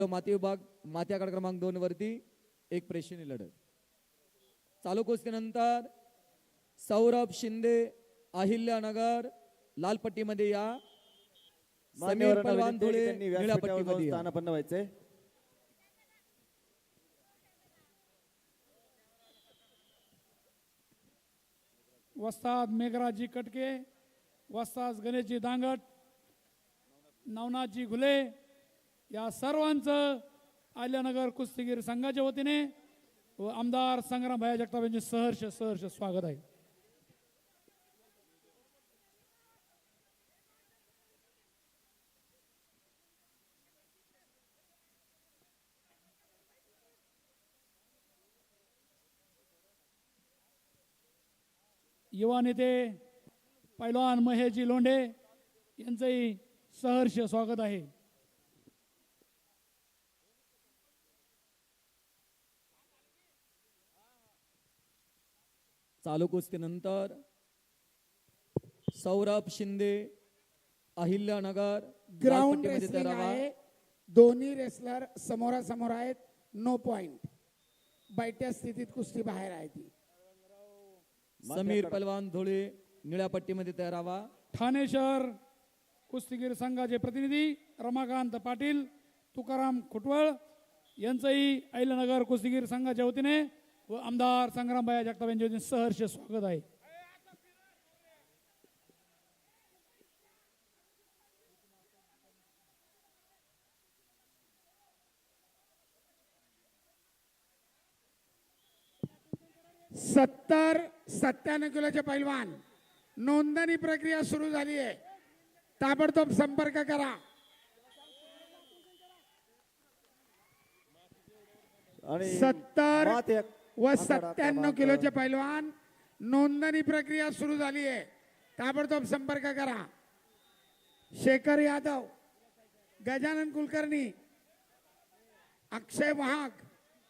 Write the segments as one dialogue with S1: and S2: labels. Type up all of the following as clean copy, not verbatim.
S1: माती विभाग माती आखाडा क्रमांक 2 वरती एक प्रेक्षणीय लढत चालू कुस्तीनंतर सौरभ शिंदे अहिल्यानगर लाल पट्टीमध्ये या, समीर पलवान धुळे निळ्या पट्टीमध्ये या.
S2: स्थानापन्न व्हायचे.
S3: वस्ताद मेघराजी कटके, वस्ताद गणेशजी दांगट, नवनाथजी घुले या सर्वांचं आल्यानगर कुस्तीगीर संघाच्या वतीने व आमदार संग्राम भाई जगताप यांचे सहर्ष सहर्ष स्वागत आहे. युवा नेते पैलवान महेशजी लोंढे यांचंही सहर्ष स्वागत आहे.
S1: चालू कुस्तीनंतर सौरभ शिंदे अहिल्यानगर
S4: ग्राउंड रेसलिंग आहे. दोन्ही रेसलर समोरासमोर आहेत. No point. बैठ्या स्थितीत कुस्ती बाहेर आहे ती.
S1: समीर पलवान धुळे निळ्या पट्टीमध्ये तयार व्हा.
S3: ठाणे शहर कुस्तीगीर संघाचे प्रतिनिधी रमाकांत पाटील, तुकाराम खुटवळ यांचंही अहिल्यानगर कुस्तीगीर संघाच्या वतीने व आमदार संग्रामबाई जगताप यांच्या वतीने सहर्ष स्वागत आहे.
S4: सत्तर 97 किलोचे पैलवान नोंदणी प्रक्रिया सुरू झाली आहे. ताबडतोब संपर्क करा.
S2: आणि
S4: 70
S2: माती
S4: व
S2: आखाडा
S4: 97
S2: क्रमांक
S4: किलोचे पैलवान नोंदणी प्रक्रिया सुरू झाली आहे. ताबडतोब संपर्क करा. शेखर यादव, गजानन कुलकर्णी, अक्षय वाहक.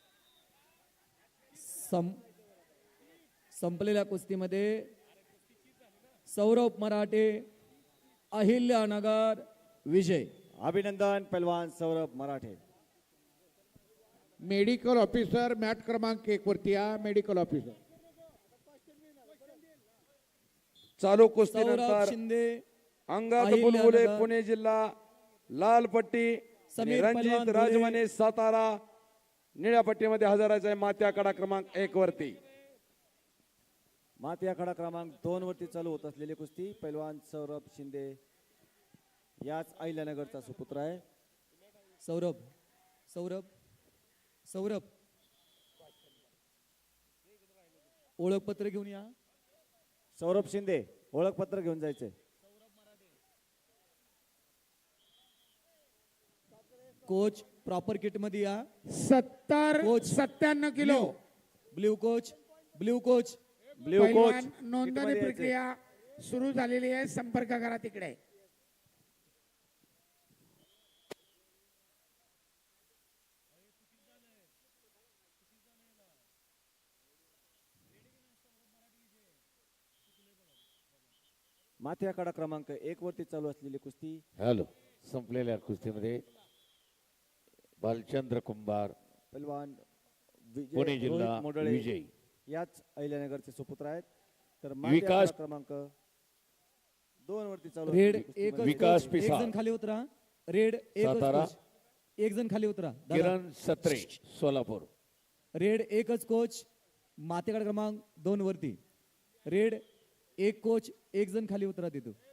S1: संपलेल्या कुस्तीमध्ये सौरभ मराठे अहिल्यानगर विजय.
S2: अभिनंदन पैलवान Saurabh Marathe.
S5: Medical officer mat क्रमांक 1 वरती या. मेडिकल ऑफिसर
S6: चालू
S1: सौरभ
S6: कुस्तीनंतर
S1: शिंदे
S6: अंगात
S1: अहिल्यानगर,
S6: बुलबुले पुणे जिल्हा लाल पट्टी आणि
S1: समीर
S6: रणजित
S1: पलवान धुळे,
S6: राजमाने सातारा निळ्या पट्टीमध्ये हजरायचा आहे माती आखाडा क्रमांक 1 वरती.
S2: माती आखाडा क्रमांक 2 वरती चालू होत असलेली कुस्ती पैलवान सौरभ शिंदे याच अहिल्यानगरचा सुपुत्र आहे.
S1: सौरभ सौरभ सौरभ ओळखपत्र घेऊन या.
S2: सौरभ शिंदे ओळखपत्र घेऊन जायचे.
S1: कोच प्रॉपर किट मध्ये या.
S4: 70
S1: coach.
S4: 97 kilo
S1: blue coach blue coach
S2: blue coach
S4: पैलवान नोंदणी प्रक्रिया सुरू झालेली आहे. संपर्क करा तिकडे.
S2: माती आखाडा क्रमांक 1 वरती चालू असलेली कुस्ती
S7: हॅलो संपलेल्या कुस्तीमध्ये बालचंद्र कुंभार
S2: पैलवान
S7: पुणे जिल्हा
S2: रोहित मोडळे
S7: विजय.
S2: याच अहिल्यानगरचे सुपुत्र आहेत. तर
S7: विकास
S2: आखाडा क्रमांक 2 वरती चालू
S1: रेड
S2: असलेली कुस्तीमध्ये
S1: एक
S7: विकास
S1: एक
S7: पिसाळ.
S1: जण खाली उतरा. रेड
S7: सातारा.
S1: एक जण खाली उतरा. दादा.
S7: किरण सत्रे सोलापूर.
S1: रेड एकच कोच मातेकडे क्रमांक 2 वरती. रेड एक कोच एक जण खाली उतरा तिथं.